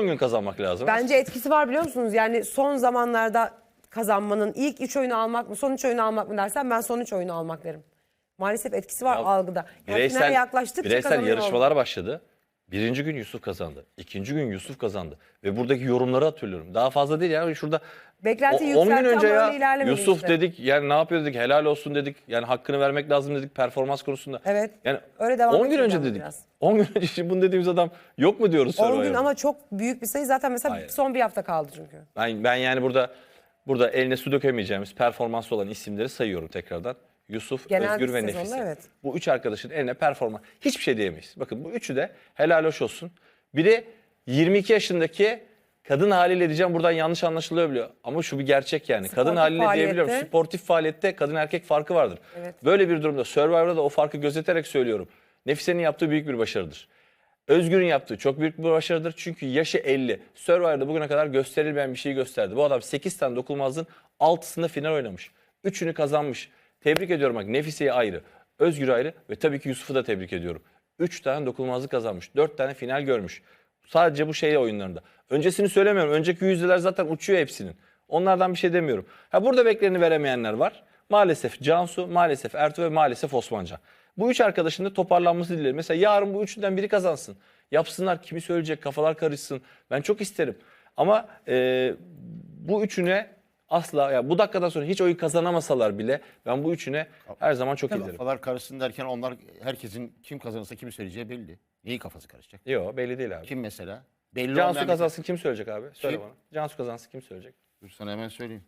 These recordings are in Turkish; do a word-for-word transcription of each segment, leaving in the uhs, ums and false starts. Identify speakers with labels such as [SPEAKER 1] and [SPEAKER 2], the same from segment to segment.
[SPEAKER 1] son gün kazanmak lazım.
[SPEAKER 2] Bence etkisi var biliyor musunuz? Yani son zamanlarda kazanmanın ilk üç oyunu almak mı, son üç oyunu almak mı dersen ben son üç oyunu almak derim. Maalesef etkisi var
[SPEAKER 1] Ya,
[SPEAKER 2] algıda. Yani
[SPEAKER 1] bireysel,
[SPEAKER 2] finale yaklaştıkça
[SPEAKER 1] bireysel
[SPEAKER 2] kazanıyor
[SPEAKER 1] yarışmalar başladı. Birinci gün Yusuf kazandı. İkinci gün Yusuf kazandı. Ve buradaki yorumları hatırlıyorum. Daha fazla değil ya. Şurada
[SPEAKER 2] Beklenti
[SPEAKER 1] on gün
[SPEAKER 2] yükseltti
[SPEAKER 1] önce
[SPEAKER 2] ama
[SPEAKER 1] ya
[SPEAKER 2] öyle ilerlemedi
[SPEAKER 1] Yusuf
[SPEAKER 2] işte.
[SPEAKER 1] dedik, yani ne yapıyor dedik, helal olsun dedik. Yani hakkını vermek lazım dedik performans konusunda.
[SPEAKER 2] Evet.
[SPEAKER 1] Yani
[SPEAKER 2] Öyle devam
[SPEAKER 1] on gün
[SPEAKER 2] edeceğiz
[SPEAKER 1] önce
[SPEAKER 2] ama
[SPEAKER 1] dedik.
[SPEAKER 2] biraz.
[SPEAKER 1] on gün önce şimdi bunu dediğimiz adam yok mu diyoruz
[SPEAKER 2] on
[SPEAKER 1] Survivor'da?
[SPEAKER 2] gün ama çok büyük bir sayı. Zaten mesela
[SPEAKER 1] Hayır.
[SPEAKER 2] son bir hafta kaldı çünkü.
[SPEAKER 1] Ben, ben yani burada burada eline su dökemeyeceğimiz performanslı olan isimleri sayıyorum tekrardan. Yusuf,
[SPEAKER 2] Genel
[SPEAKER 1] Özgür
[SPEAKER 2] bir
[SPEAKER 1] ve
[SPEAKER 2] sezonda
[SPEAKER 1] Nefise.
[SPEAKER 2] evet.
[SPEAKER 1] Bu üç arkadaşın eline performans. Hiçbir şey diyemeyiz. Bakın bu üçü de helal hoş olsun. Biri yirmi iki yaşındaki kadın haliyle diyeceğim, buradan yanlış anlaşılabiliyor. Ama şu bir gerçek yani.
[SPEAKER 2] Sportif
[SPEAKER 1] kadın haliyle
[SPEAKER 2] faaliyette.
[SPEAKER 1] diyebiliyorum. Sportif faaliyette kadın erkek farkı vardır.
[SPEAKER 2] Evet.
[SPEAKER 1] Böyle bir durumda Survivor'da da o farkı gözeterek söylüyorum. Nefise'nin yaptığı büyük bir başarıdır. Özgür'ün yaptığı çok büyük bir başarıdır. Çünkü yaşı elli. Survivor'da bugüne kadar gösterilmeyen bir şeyi gösterdi. Bu adam sekiz tane dokunulmazlığın altısında final oynamış. üçünü kazanmış. Tebrik ediyorum bak, Nefise'yi ayrı, Özgür'ü ayrı ve tabii ki Yusuf'u da tebrik ediyorum. üç tane dokunulmazlık kazanmış. dört tane final görmüş. Sadece bu şey oyunlarında. Öncesini söylemiyorum. Önceki yüzdeler zaten uçuyor hepsinin. Onlardan bir şey demiyorum. Ha, burada beklerini veremeyenler var. Maalesef Cansu, maalesef Ertuğ ve maalesef Osmancan. Bu üç arkadaşın da toparlanması dilerim. Mesela yarın bu üçünden biri kazansın. Yapsınlar, kimi söyleyecek, kafalar karışsın. Ben çok isterim. Ama e, bu üçüne asla, ya bu dakikadan sonra hiç oyun kazanamasalar bile ben bu üçüne her zaman çok isterim.
[SPEAKER 3] Kafalar karışsın derken onlar, herkesin kim kazanırsa kimi söyleyeceği belli. Neyi kafası karışacak?
[SPEAKER 1] Yok, belli değil abi.
[SPEAKER 3] Kim mesela? Belli
[SPEAKER 1] Cansu
[SPEAKER 3] olmayan-
[SPEAKER 1] kazansın kim söyleyecek abi? Söyle
[SPEAKER 3] Kim?
[SPEAKER 1] bana. Cansu kazansın kim söyleyecek?
[SPEAKER 3] Dur sana hemen söyleyeyim.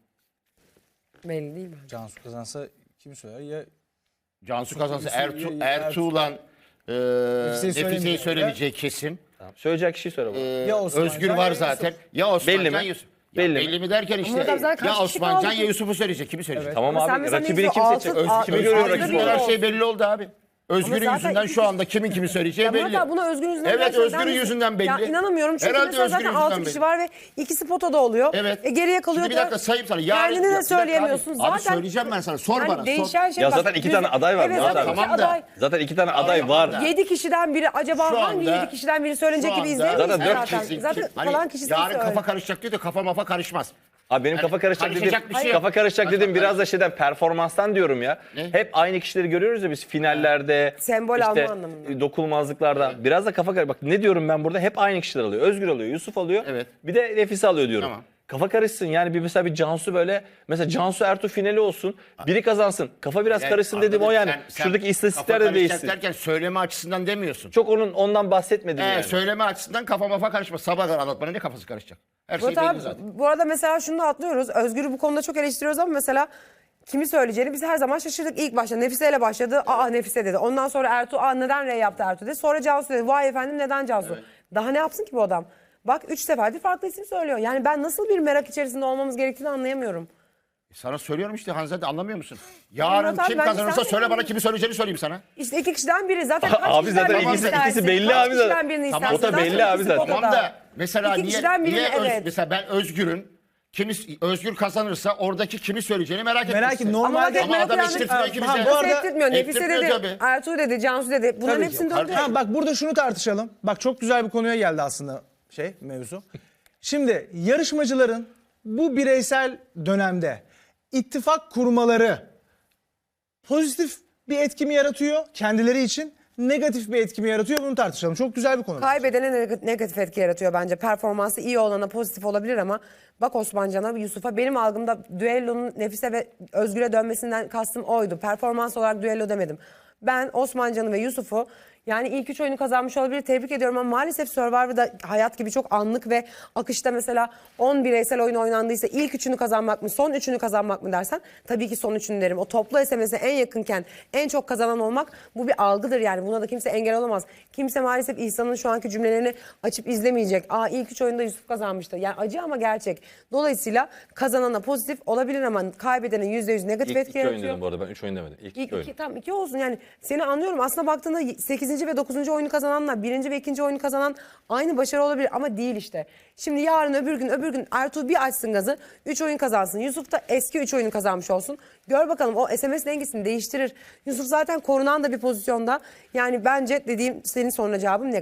[SPEAKER 2] Belli değil mi?
[SPEAKER 4] Cansu kazansa kim söyler? Ya
[SPEAKER 3] Cansu kazansa
[SPEAKER 4] Yusuf-
[SPEAKER 3] Ertuğ,
[SPEAKER 4] ya- ya-
[SPEAKER 3] Ertuğ'la e, Nefise'yi
[SPEAKER 4] söylemeyecek.
[SPEAKER 3] söylemeyeceği kesin.
[SPEAKER 1] Tamam. Söyleyecek kişiyi söyle bana.
[SPEAKER 3] E,
[SPEAKER 4] Ya Osmancan
[SPEAKER 3] Özgür
[SPEAKER 4] ya
[SPEAKER 3] var
[SPEAKER 4] Yusuf.
[SPEAKER 3] zaten. Ya Osmancan
[SPEAKER 1] Belli mi?
[SPEAKER 3] Yusuf. Ya
[SPEAKER 1] Belli
[SPEAKER 3] belli,
[SPEAKER 1] mi?
[SPEAKER 3] mi derken işte
[SPEAKER 2] Ama zaten kaç
[SPEAKER 3] ya
[SPEAKER 2] kişi
[SPEAKER 3] Osmancan
[SPEAKER 2] kaldı
[SPEAKER 3] ya
[SPEAKER 2] ki?
[SPEAKER 3] Yusuf'u söyleyecek. Kimi söyleyecek?
[SPEAKER 1] Tamam
[SPEAKER 2] Ama sen
[SPEAKER 1] abi,
[SPEAKER 2] mesela
[SPEAKER 1] rakibini
[SPEAKER 2] neyse,
[SPEAKER 1] kim seçecek?
[SPEAKER 2] altı-
[SPEAKER 1] Öz- kimi
[SPEAKER 2] altı-
[SPEAKER 1] görüyor
[SPEAKER 2] altı-
[SPEAKER 1] rakibi
[SPEAKER 2] altı-
[SPEAKER 3] Her
[SPEAKER 1] olarak?
[SPEAKER 3] şey belli oldu abi. Özgür'ün
[SPEAKER 2] zaten
[SPEAKER 3] yüzünden
[SPEAKER 2] iki
[SPEAKER 3] şu
[SPEAKER 2] kişi-
[SPEAKER 3] anda kimin kimi söyleyeceği
[SPEAKER 2] Ya Murat
[SPEAKER 3] belli.
[SPEAKER 2] abi buna Özgür yüzünden
[SPEAKER 3] Evet,
[SPEAKER 2] gerçekten
[SPEAKER 3] Özgür'ün
[SPEAKER 2] misin?
[SPEAKER 3] yüzünden belli.
[SPEAKER 2] Ya inanamıyorum çünkü
[SPEAKER 3] Herhalde
[SPEAKER 2] mesela zaten
[SPEAKER 3] Özgür'ün
[SPEAKER 2] altı
[SPEAKER 3] yüzünden
[SPEAKER 2] kişi
[SPEAKER 3] belli.
[SPEAKER 2] var ve ikisi potada oluyor.
[SPEAKER 3] Evet.
[SPEAKER 2] E geriye kalıyor.
[SPEAKER 3] Şimdi bir dakika sayayım sana. Yarın,
[SPEAKER 2] Kendini
[SPEAKER 3] ya bir
[SPEAKER 2] de
[SPEAKER 3] dakika
[SPEAKER 2] söyleyemiyorsun.
[SPEAKER 3] Abi,
[SPEAKER 2] zaten
[SPEAKER 3] abi söyleyeceğim ben sana. Sor
[SPEAKER 2] yani
[SPEAKER 3] bana. Sor.
[SPEAKER 2] değişen şey
[SPEAKER 1] Ya
[SPEAKER 2] bak,
[SPEAKER 1] zaten iki
[SPEAKER 2] düz-
[SPEAKER 1] tane aday var
[SPEAKER 2] Evet,
[SPEAKER 1] Murat
[SPEAKER 2] zaten
[SPEAKER 1] abi.
[SPEAKER 2] iki
[SPEAKER 3] Tamam da-
[SPEAKER 2] aday.
[SPEAKER 1] Zaten iki tane aday var.
[SPEAKER 2] Yedi kişiden biri acaba
[SPEAKER 3] Şu
[SPEAKER 2] hangi
[SPEAKER 3] anda-
[SPEAKER 2] yedi kişiden biri söylenecek
[SPEAKER 3] Şu
[SPEAKER 2] gibi
[SPEAKER 3] anda-
[SPEAKER 2] izleyemeyiz
[SPEAKER 1] Zaten dört
[SPEAKER 2] zaten.
[SPEAKER 3] Kesin-
[SPEAKER 2] Zaten
[SPEAKER 3] hani
[SPEAKER 2] kalan kişi
[SPEAKER 3] yarın
[SPEAKER 2] söyle.
[SPEAKER 3] kafa karışacak diyor da kafa mafa karışmaz.
[SPEAKER 1] Abi benim kafa karışacak dediğim,
[SPEAKER 3] karışacak bir şey yok.
[SPEAKER 1] kafa karışacak dediğim biraz da şeyden, performanstan diyorum ya.
[SPEAKER 3] Ne?
[SPEAKER 1] Hep aynı kişileri görüyoruz ya biz finallerde,
[SPEAKER 2] Sembol
[SPEAKER 1] işte
[SPEAKER 2] alma anlamında.
[SPEAKER 1] dokunulmazlıklarda. Biraz da kafa karışacak. Bak ne diyorum ben burada, hep aynı kişiler alıyor. Özgür alıyor, Yusuf alıyor.
[SPEAKER 3] Evet.
[SPEAKER 1] Bir de Nefise alıyor diyorum.
[SPEAKER 3] Tamam.
[SPEAKER 1] Kafa karışsın yani, bir mesela bir Cansu böyle, mesela Cansu Ertuğ finali olsun. Biri kazansın. Kafa biraz
[SPEAKER 3] Yani
[SPEAKER 1] karışsın dedim o
[SPEAKER 3] anladın,
[SPEAKER 1] yani.
[SPEAKER 3] sen- sen
[SPEAKER 1] Şuradaki istatistikler
[SPEAKER 3] kafa
[SPEAKER 1] de
[SPEAKER 3] karışacak
[SPEAKER 1] değişsin.
[SPEAKER 3] derken söyleme açısından demiyorsun.
[SPEAKER 1] Çok onun ondan bahsetmedim
[SPEAKER 3] Ee,
[SPEAKER 1] yani.
[SPEAKER 3] Söyleme açısından kafa mafa karışmaz. Sabah kadar anlatmana ne kafası karışacak? Her şey
[SPEAKER 2] Murat
[SPEAKER 3] belli
[SPEAKER 2] abi,
[SPEAKER 3] zaten.
[SPEAKER 2] bu arada mesela şunu da atlıyoruz. Özgür'ü bu konuda çok eleştiriyoruz ama mesela kimi söyleyeceğini biz her zaman şaşırdık. İlk başta Nefise ile başladı. Aa Nefise dedi. Ondan sonra Ertuğ, aa neden R yaptı Ertuğ dedi. Sonra Cansu dedi. Vay efendim neden Cansu? Daha ne yapsın ki bu adam? Bak üç seferdir farklı isim söylüyor. Yani ben nasıl bir merak içerisinde olmamız gerektiğini anlayamıyorum.
[SPEAKER 3] Sana söylüyorum işte Hanzade, anlamıyor musun? Yarın
[SPEAKER 2] Murat abi,
[SPEAKER 3] kim
[SPEAKER 2] bence
[SPEAKER 3] kazanırsa
[SPEAKER 2] sen
[SPEAKER 3] söyle
[SPEAKER 2] de-
[SPEAKER 3] bana kimi söyleyeceğini söyleyeyim sana.
[SPEAKER 2] İşte iki kişiden biri. Zaten kaç
[SPEAKER 1] Abi
[SPEAKER 2] kişiden
[SPEAKER 1] zaten
[SPEAKER 2] birini
[SPEAKER 1] ikisi-
[SPEAKER 2] istersin?
[SPEAKER 1] ikisi belli
[SPEAKER 2] Kaç
[SPEAKER 1] abi zaten.
[SPEAKER 2] kişiden birini
[SPEAKER 3] Tamam,
[SPEAKER 2] istersin?
[SPEAKER 1] o da belli
[SPEAKER 2] Zaten
[SPEAKER 1] abi
[SPEAKER 2] ikisi
[SPEAKER 1] zaten.
[SPEAKER 2] potada.
[SPEAKER 3] Tamam da mesela
[SPEAKER 2] İki
[SPEAKER 3] niye,
[SPEAKER 2] kişiden birine
[SPEAKER 3] niye Öz-
[SPEAKER 2] evet.
[SPEAKER 3] mesela ben Özgür'ün kimi, Özgür kazanırsa oradaki kimi söyleyeceğini merak etmek
[SPEAKER 4] merak et
[SPEAKER 3] isterim.
[SPEAKER 4] normalde
[SPEAKER 2] Ama
[SPEAKER 3] Ama adam
[SPEAKER 2] yani-
[SPEAKER 3] eşitliyor
[SPEAKER 2] Ha,
[SPEAKER 3] ikimize.
[SPEAKER 4] ha, bu
[SPEAKER 2] Nasıl
[SPEAKER 4] arada-
[SPEAKER 2] ettirtmiyor? Nefise
[SPEAKER 3] ettirtmiyor
[SPEAKER 2] dedi,
[SPEAKER 3] tabii.
[SPEAKER 2] Ertuğ dedi, Cansu dedi. Bunların
[SPEAKER 3] Tabii ki.
[SPEAKER 2] hepsini
[SPEAKER 3] Kardeşim,
[SPEAKER 2] döndü.
[SPEAKER 4] Ha, bak burada şunu tartışalım. Bak çok güzel bir konuya geldi aslında şey mevzu. Şimdi yarışmacıların bu bireysel dönemde ittifak kurmaları pozitif bir etki mi yaratıyor kendileri için, negatif bir etki mi yaratıyor, bunu tartışalım. Çok güzel bir konu.
[SPEAKER 2] Kaybedene neg- negatif etki yaratıyor bence. Performansı iyi olana pozitif olabilir ama bak Osmancan'a, Yusuf'a, benim algımda düellonun Nefise ve Özgür'e dönmesinden kastım oydu. Performans olarak düello demedim. Ben Osmancan'ı ve Yusuf'u, yani ilk üç oyunu kazanmış olabilir, tebrik ediyorum ama maalesef Survivor'da hayat gibi çok anlık ve akışta mesela on bireysel oyun oynandıysa ilk üçünü kazanmak mı, son üçünü kazanmak mı dersen tabii ki son üçünü derim. O toplu S M S'e en yakınken en çok kazanan olmak, bu bir algıdır yani, buna da kimse engel olamaz. Kimse maalesef İhsan'ın şu anki cümlelerini açıp izlemeyecek. Aa ilk üç oyunda Yusuf kazanmıştı. Yani acı ama gerçek. Dolayısıyla kazanana pozitif olabilir ama kaybedenin yüzde yüz negatif
[SPEAKER 1] İlk
[SPEAKER 2] etki
[SPEAKER 1] iki oyun
[SPEAKER 2] yaratıyor.
[SPEAKER 1] dedim bu arada, ben üç oyun demedim. İlk,
[SPEAKER 2] İlk
[SPEAKER 1] iki oyun.
[SPEAKER 2] iki, tam iki olsun yani, seni anlıyorum. Aslında baktığında sekizinci ve dokuzuncu oyunu kazananla birinci ve ikinci oyunu kazanan aynı başarı olabilir ama değil işte. Şimdi yarın öbür gün öbür gün Ertuğ bir açsın gazı, üç oyun kazansın. Yusuf da eski üç oyunu kazanmış olsun. Gör bakalım o S M S dengesini değiştirir. Yusuf zaten korunan da bir pozisyonda. Yani bence dediğim, senin soruna cevabım negatif.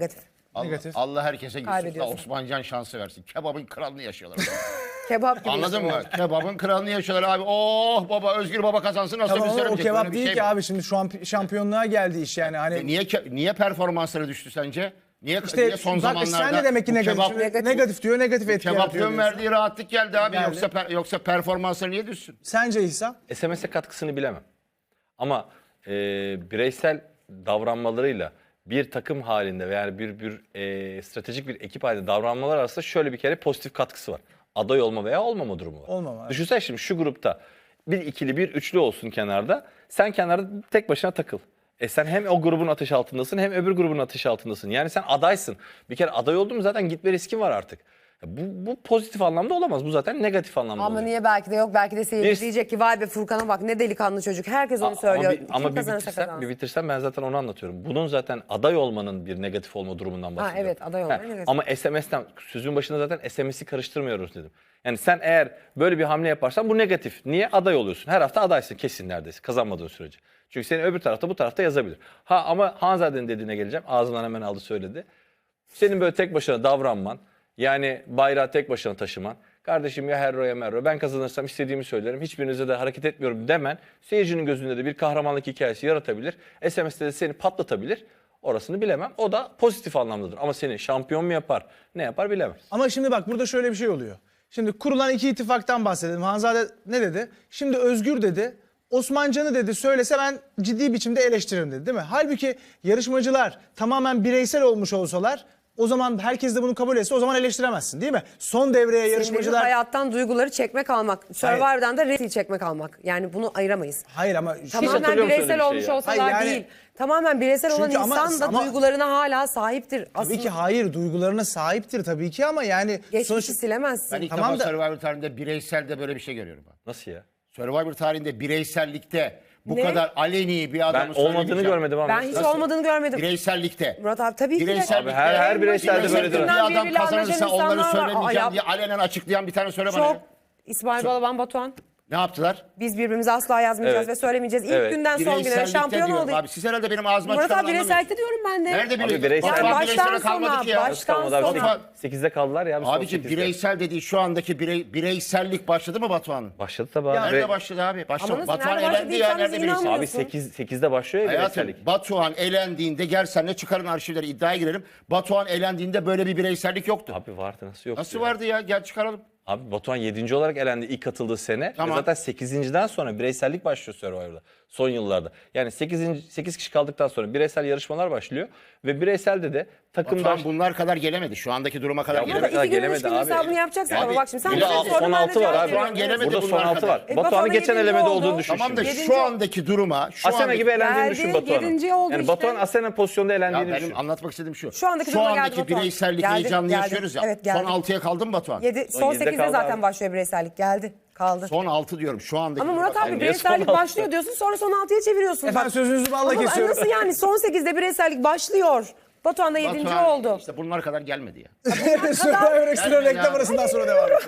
[SPEAKER 3] Allah,
[SPEAKER 4] Negatif.
[SPEAKER 3] Allah herkese Yusuf'la
[SPEAKER 2] Kaybediyorsun.
[SPEAKER 3] Osmancan şansı versin. Kebabın kralını yaşıyorlar.
[SPEAKER 2] Kebap gibi.
[SPEAKER 3] Anladın mı?
[SPEAKER 2] yaşıyorlar.
[SPEAKER 3] Kebabın kralını yaşıyorlar abi. Oh baba Özgür Baba kazansın nasıl
[SPEAKER 4] Tamam ama o
[SPEAKER 3] gösteremeyecek.
[SPEAKER 4] kebap
[SPEAKER 3] Böyle bir
[SPEAKER 4] değil
[SPEAKER 3] şey
[SPEAKER 4] ki
[SPEAKER 3] mi?
[SPEAKER 4] abi, şimdi şu an şampiyonluğa geldi iş yani. Hani
[SPEAKER 3] E niye ke- niye performansları düştü sence? Niye,
[SPEAKER 4] işte
[SPEAKER 3] niye son
[SPEAKER 4] bak,
[SPEAKER 3] zamanlarda
[SPEAKER 4] sen de demek ki
[SPEAKER 3] bu
[SPEAKER 4] negatif.
[SPEAKER 3] kebap,
[SPEAKER 4] Şimdi
[SPEAKER 2] Negatif.
[SPEAKER 4] negatif diyor, negatif etki yaratıyor
[SPEAKER 3] kebapın
[SPEAKER 4] diyorsun.
[SPEAKER 3] verdiği rahatlık geldi abi.
[SPEAKER 4] Geldi.
[SPEAKER 3] Yoksa per- yoksa performansları niye düşsün?
[SPEAKER 4] Sence İhsan?
[SPEAKER 1] S M S'e katkısını bilemem. Ama e, bireysel davranmalarıyla bir takım halinde veya bir bir e, stratejik bir ekip halinde davranmalar arasında şöyle bir kere pozitif katkısı var. Aday olma veya olmama durumu var.
[SPEAKER 4] Olmama, evet.
[SPEAKER 1] Düşünsene şimdi şu grupta bir ikili bir üçlü olsun kenarda. Sen kenarda tek başına takıl. E sen hem o grubun ateş altındasın hem öbür grubun ateş altındasın. Yani sen adaysın. Bir kere aday oldun mu zaten gitme riskin var artık. Ya Bu, bu pozitif anlamda olamaz. Bu zaten negatif anlamda
[SPEAKER 2] Ama
[SPEAKER 1] oluyor.
[SPEAKER 2] niye belki de yok, belki de seyirci
[SPEAKER 1] Bir-
[SPEAKER 2] diyecek ki vay be Furkan'a bak ne delikanlı çocuk. Herkes onu söylüyor.
[SPEAKER 1] Ama bir, ama
[SPEAKER 2] Kim
[SPEAKER 1] bir
[SPEAKER 2] kazanırsa
[SPEAKER 1] bitirsem,
[SPEAKER 2] kazansın.
[SPEAKER 1] bir bitirsem ben zaten onu anlatıyorum. Bunun zaten aday olmanın bir negatif olma durumundan bahsediyorum.
[SPEAKER 2] evet, aday olmanın
[SPEAKER 1] He,
[SPEAKER 2] negatif.
[SPEAKER 1] Ama S M S'ten sözün başında zaten S M S'i karıştırmıyoruz dedim. Yani sen eğer böyle bir hamle yaparsan bu negatif. Niye? Aday oluyorsun. Her hafta adaysın kesin neredeyse kazanmadığın sürece. Çünkü seni öbür tarafta bu tarafta yazabilir. Ha ama Hanzade'nin dediğine geleceğim. Ağzından hemen aldı söyledi. Senin böyle tek başına davranman, yani bayrağı tek başına taşıman, kardeşim ya herro ya merro ben kazanırsam istediğimi söylerim, hiçbirinize de hareket etmiyorum demen, seyircinin gözünde de bir kahramanlık hikayesi yaratabilir. S M S'te de seni patlatabilir. Orasını bilemem. O da pozitif anlamdadır. Ama seni şampiyon mu yapar, ne yapar bilemem.
[SPEAKER 4] Ama şimdi bak burada şöyle bir şey oluyor. Şimdi kurulan iki ittifaktan bahsedelim. Hanzade ne dedi? Şimdi Özgür dedi. Osmancan'ı dedi söylese ben ciddi biçimde eleştiririm dedi değil mi? Halbuki yarışmacılar tamamen bireysel olmuş olsalar o zaman herkes de bunu kabul etse o zaman eleştiremezsin değil mi? Son devreye
[SPEAKER 2] Senin
[SPEAKER 4] yarışmacılar...
[SPEAKER 2] hayattan duyguları çekmek almak. Survivor'dan da resil çekmek almak. Yani bunu ayıramayız.
[SPEAKER 4] Hayır ama...
[SPEAKER 2] Tamamen
[SPEAKER 1] hatırlıyor musun öyle
[SPEAKER 2] bireysel
[SPEAKER 1] bir şey
[SPEAKER 2] olmuş
[SPEAKER 1] ya?
[SPEAKER 2] olsalar
[SPEAKER 4] Hayır yani-
[SPEAKER 2] değil. Tamamen bireysel olan
[SPEAKER 4] Çünkü ama-
[SPEAKER 2] insan da
[SPEAKER 4] ama-
[SPEAKER 2] duygularına hala sahiptir. Aslında
[SPEAKER 4] Tabii ki hayır, duygularına sahiptir tabii ki ama yani...
[SPEAKER 2] geçmişi
[SPEAKER 4] sonuçta-
[SPEAKER 2] silemezsin.
[SPEAKER 3] Ben ilk
[SPEAKER 4] Tamam
[SPEAKER 3] defa
[SPEAKER 4] da-
[SPEAKER 3] Survivor tarihinde bireyselde böyle bir şey görüyorum. Ben.
[SPEAKER 1] Nasıl ya?
[SPEAKER 3] Survivor tarihinde bireysellikte bu
[SPEAKER 2] Ne?
[SPEAKER 3] kadar aleni bir
[SPEAKER 1] Ben
[SPEAKER 3] adamı
[SPEAKER 1] olmadığını
[SPEAKER 3] söylemeyeceğim.
[SPEAKER 1] görmedim ama.
[SPEAKER 2] Ben hiç
[SPEAKER 3] Nasıl?
[SPEAKER 2] olmadığını görmedim.
[SPEAKER 3] Bireysellikte.
[SPEAKER 2] Murat abi tabii ki de.
[SPEAKER 3] Bireysellikte.
[SPEAKER 1] Abi her- her bireyselde
[SPEAKER 3] Bireysellikte
[SPEAKER 1] böyledir.
[SPEAKER 3] bir adam
[SPEAKER 2] Birbiriyle
[SPEAKER 3] kazanırsa
[SPEAKER 2] anlaşan
[SPEAKER 3] onları
[SPEAKER 2] insanlar var. Aa,
[SPEAKER 3] söylemeyeceğim
[SPEAKER 2] yap-
[SPEAKER 3] diye alenen açıklayan bir tane söyle bana.
[SPEAKER 2] Çok.
[SPEAKER 3] ya.
[SPEAKER 2] İsmail Balaban, Batuhan.
[SPEAKER 3] Ne yaptılar?
[SPEAKER 2] Biz birbirimize asla yazmayacağız
[SPEAKER 1] Evet.
[SPEAKER 2] ve söylemeyeceğiz. İlk
[SPEAKER 1] Evet.
[SPEAKER 2] günden son güne
[SPEAKER 3] Bireysellikte
[SPEAKER 2] şampiyon
[SPEAKER 3] diyorum
[SPEAKER 2] olduk.
[SPEAKER 3] abi. Siz herhalde benim ağzıma
[SPEAKER 2] Murat
[SPEAKER 3] çıkanı
[SPEAKER 2] abi bireysellikte diyorum ben de.
[SPEAKER 3] Nerede
[SPEAKER 1] Abi
[SPEAKER 3] bireysel?
[SPEAKER 1] bireysel-
[SPEAKER 3] Batuhan
[SPEAKER 2] Yani
[SPEAKER 3] bireysele
[SPEAKER 2] baştan
[SPEAKER 3] kalmadı
[SPEAKER 2] sona,
[SPEAKER 3] ki ya.
[SPEAKER 2] baştan
[SPEAKER 1] Kalmadı abi.
[SPEAKER 2] sona.
[SPEAKER 1] sekizde kaldılar ya. son
[SPEAKER 3] Abiciğim
[SPEAKER 1] sekizde.
[SPEAKER 3] bireysel dediği şu andaki birey, bireysellik başladı mı Batuhan'ın?
[SPEAKER 1] Başladı tabii abi.
[SPEAKER 3] Nerede
[SPEAKER 1] Ve-
[SPEAKER 3] başladı abi? Başladı.
[SPEAKER 2] Ama nasıl,
[SPEAKER 3] Batuhan
[SPEAKER 2] nerede
[SPEAKER 3] elendi ya.
[SPEAKER 2] başladıysanız
[SPEAKER 3] Nerede bireysel?
[SPEAKER 2] inanmıyorum.
[SPEAKER 1] Abi sekiz, sekizde başlıyor ya
[SPEAKER 3] Hayatım
[SPEAKER 1] bireysellik.
[SPEAKER 3] Batuhan elendiğinde gel senle çıkarın arşivleri iddiaya girelim. Batuhan elendiğinde böyle bir bireysellik yoktu.
[SPEAKER 1] Abi vardı nasıl yok?
[SPEAKER 3] Nasıl vardı ya? Gel çıkaralım.
[SPEAKER 1] Abi Batuhan yedinci olarak elendi ilk katıldığı sene.
[SPEAKER 3] Tamam.
[SPEAKER 1] Ve zaten sekizinciden sonra bireysellik başlıyor Survivor'da. Son yıllarda. Yani sekizinci, sekiz kişi kaldıktan sonra bireysel yarışmalar başlıyor. Ve bireyselde de takımda...
[SPEAKER 3] Batuhan bunlar kadar gelemedi. Şu andaki duruma kadar
[SPEAKER 1] Ya
[SPEAKER 2] Ama
[SPEAKER 3] gelemedi.
[SPEAKER 1] kadar
[SPEAKER 2] iki gün, üç
[SPEAKER 1] gelemedi
[SPEAKER 2] gün
[SPEAKER 1] abi.
[SPEAKER 2] hesabını yapacaksın
[SPEAKER 3] Yani
[SPEAKER 2] ama bak şimdi sen
[SPEAKER 1] Burada
[SPEAKER 2] bana
[SPEAKER 1] son
[SPEAKER 2] sordun, ben de
[SPEAKER 1] altı var
[SPEAKER 2] cevap
[SPEAKER 1] abi.
[SPEAKER 3] Şu an
[SPEAKER 2] veriyorum.
[SPEAKER 3] gelemedi
[SPEAKER 1] Burada son
[SPEAKER 3] bunlar
[SPEAKER 1] altı
[SPEAKER 3] kadar.
[SPEAKER 1] var.
[SPEAKER 2] E,
[SPEAKER 1] Batuhan'ın
[SPEAKER 2] Batuhan'ın
[SPEAKER 1] geçen
[SPEAKER 2] yedinci
[SPEAKER 1] elemede
[SPEAKER 2] oldu.
[SPEAKER 1] olduğunu düşün
[SPEAKER 3] Tamam da
[SPEAKER 1] şimdi.
[SPEAKER 2] Yedinci-
[SPEAKER 3] şu andaki duruma şu
[SPEAKER 1] Asena
[SPEAKER 3] andaki-
[SPEAKER 1] gibi elendiğini
[SPEAKER 2] Geldi,
[SPEAKER 1] düşün Batuhan'ın.
[SPEAKER 2] yedinci oldu
[SPEAKER 1] Yani
[SPEAKER 2] işte.
[SPEAKER 1] Batuhan Asena pozisyonda
[SPEAKER 3] Ya
[SPEAKER 1] elendiğini
[SPEAKER 3] benim
[SPEAKER 1] düşün.
[SPEAKER 3] anlatmak istediğim şu.
[SPEAKER 2] Şu andaki
[SPEAKER 3] şu
[SPEAKER 2] duruma geldi
[SPEAKER 3] andaki
[SPEAKER 2] Batuhan.
[SPEAKER 3] bireysellik
[SPEAKER 2] Geldi,
[SPEAKER 3] heyecanını
[SPEAKER 2] geldi.
[SPEAKER 3] yaşıyoruz ya.
[SPEAKER 2] Evet, geldi.
[SPEAKER 3] Son altıya kaldı mı Batuhan?
[SPEAKER 2] Yedi, son
[SPEAKER 1] yedide
[SPEAKER 2] sekizde
[SPEAKER 1] kaldı
[SPEAKER 2] zaten
[SPEAKER 1] abi.
[SPEAKER 2] başlıyor bireysellik. Geldi. Kaldı.
[SPEAKER 3] Son altı diyorum şu andaki.
[SPEAKER 2] Ama Murat
[SPEAKER 3] duruma-
[SPEAKER 2] abi
[SPEAKER 1] niye
[SPEAKER 2] bireysellik
[SPEAKER 1] son altı?
[SPEAKER 2] başlıyor diyorsun sonra son altıya çeviriyorsun.
[SPEAKER 4] Efendim
[SPEAKER 2] Bak.
[SPEAKER 4] sözünüzü balla
[SPEAKER 2] Ama
[SPEAKER 4] kesiyorum.
[SPEAKER 2] nasıl yani son sekizde bireysellik başlıyor. Batuhan da yedinci
[SPEAKER 3] Batuhan
[SPEAKER 2] oldu.
[SPEAKER 3] İşte bunlar kadar gelmedi ya.
[SPEAKER 4] Survivor Extra
[SPEAKER 3] Gelmedi
[SPEAKER 4] reklam
[SPEAKER 3] abi.
[SPEAKER 4] arasından sonra devam edelim.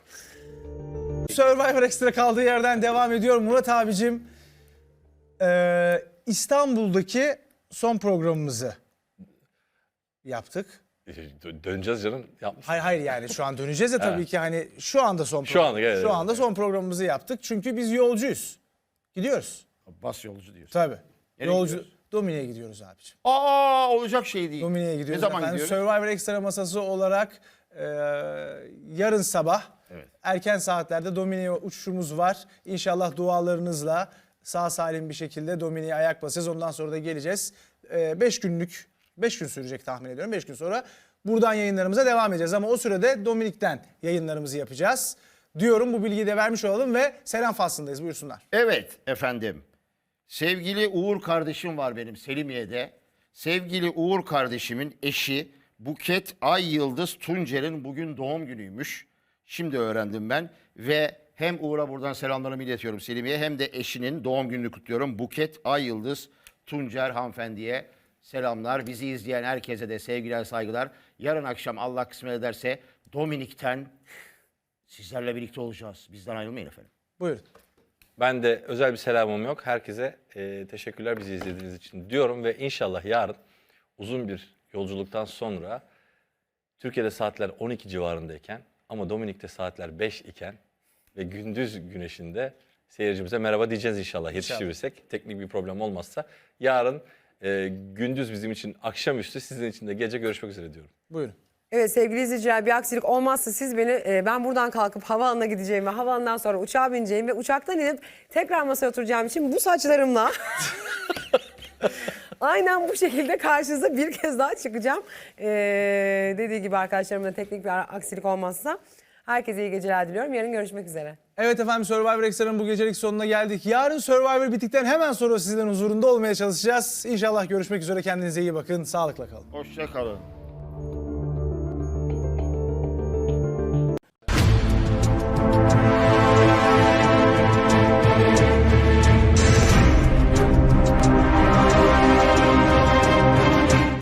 [SPEAKER 4] Survivor Extra kaldığı yerden devam ediyor. Murat abicim eee, İstanbul'daki son programımızı yaptık.
[SPEAKER 1] Dö- Döneceğiz canım. Yapmış.
[SPEAKER 4] Hayır hayır yani şu an döneceğiz ya tabii ki hani şu anda son
[SPEAKER 1] Şu
[SPEAKER 4] program-
[SPEAKER 1] anda, evet,
[SPEAKER 4] şu
[SPEAKER 1] evet,
[SPEAKER 4] anda son programımızı yaptık. Çünkü biz yolcuyuz. Gidiyoruz.
[SPEAKER 3] Bas yolcu diyorsun.
[SPEAKER 4] Tabii.
[SPEAKER 3] Nereye
[SPEAKER 4] Yolcu
[SPEAKER 3] gidiyoruz?
[SPEAKER 4] Domine'ye gidiyoruz abicim.
[SPEAKER 3] Aa olacak şey değil.
[SPEAKER 4] Domine'ye gidiyoruz.
[SPEAKER 3] Ne zaman
[SPEAKER 4] Efendim,
[SPEAKER 3] gidiyoruz?
[SPEAKER 4] Survivor Extra masası olarak e, yarın sabah
[SPEAKER 3] Evet.
[SPEAKER 4] erken saatlerde Domine'ye uçuşumuz var. İnşallah dualarınızla sağ salim bir şekilde Domine'ye ayak basacağız. Ondan sonra da geleceğiz. beş günlük, beş gün sürecek tahmin ediyorum. beş gün sonra buradan yayınlarımıza devam edeceğiz. Ama o sürede Dominik'ten yayınlarımızı yapacağız. Diyorum, bu bilgiyi de vermiş olalım ve selam faslındayız. Buyursunlar.
[SPEAKER 3] Evet efendim. Sevgili Uğur kardeşim var benim Selimiye'de. Sevgili Uğur kardeşimin eşi Buket Ay Yıldız Tuncer'in bugün doğum günüymüş. Şimdi öğrendim ben ve hem Uğur'a buradan selamlarımı iletiyorum Selimiye hem de eşinin doğum gününü kutluyorum. Buket Ay Yıldız Tuncer hanımefendiye selamlar. Bizi izleyen herkese de sevgiler saygılar. Yarın akşam Allah kısmet ederse Dominik'ten sizlerle birlikte olacağız. Bizden ayrılmayın efendim.
[SPEAKER 4] Buyurun.
[SPEAKER 1] Ben de özel bir selamım yok. Herkese e, teşekkürler bizi izlediğiniz için diyorum ve inşallah yarın uzun bir yolculuktan sonra Türkiye'de saatler on iki civarındayken ama Dominik'te saatler beş iken ve gündüz güneşinde seyircimize merhaba diyeceğiz inşallah yetiştirirsek. Teknik bir problem olmazsa. Yarın e, gündüz bizim için akşamüstü, sizin için de gece görüşmek üzere diyorum.
[SPEAKER 4] Buyurun.
[SPEAKER 2] Evet sevgili izleyiciler, bir aksilik olmazsa siz beni e, ben buradan kalkıp havaalanına gideceğim ve havaalanından sonra uçağa bineceğim ve uçaktan inip tekrar masaya oturacağım için bu saçlarımla aynen bu şekilde karşınıza bir kez daha çıkacağım. E, dediği gibi arkadaşlarımla teknik bir aksilik olmazsa herkese iyi geceler diliyorum. Yarın görüşmek üzere.
[SPEAKER 4] Evet efendim, Survivor Extra'nın bu gecelik sonuna geldik. Yarın Survivor bittikten hemen sonra sizlerin huzurunda olmaya çalışacağız. İnşallah görüşmek üzere. Kendinize iyi bakın. Sağlıkla kalın.
[SPEAKER 3] Hoşça kalın.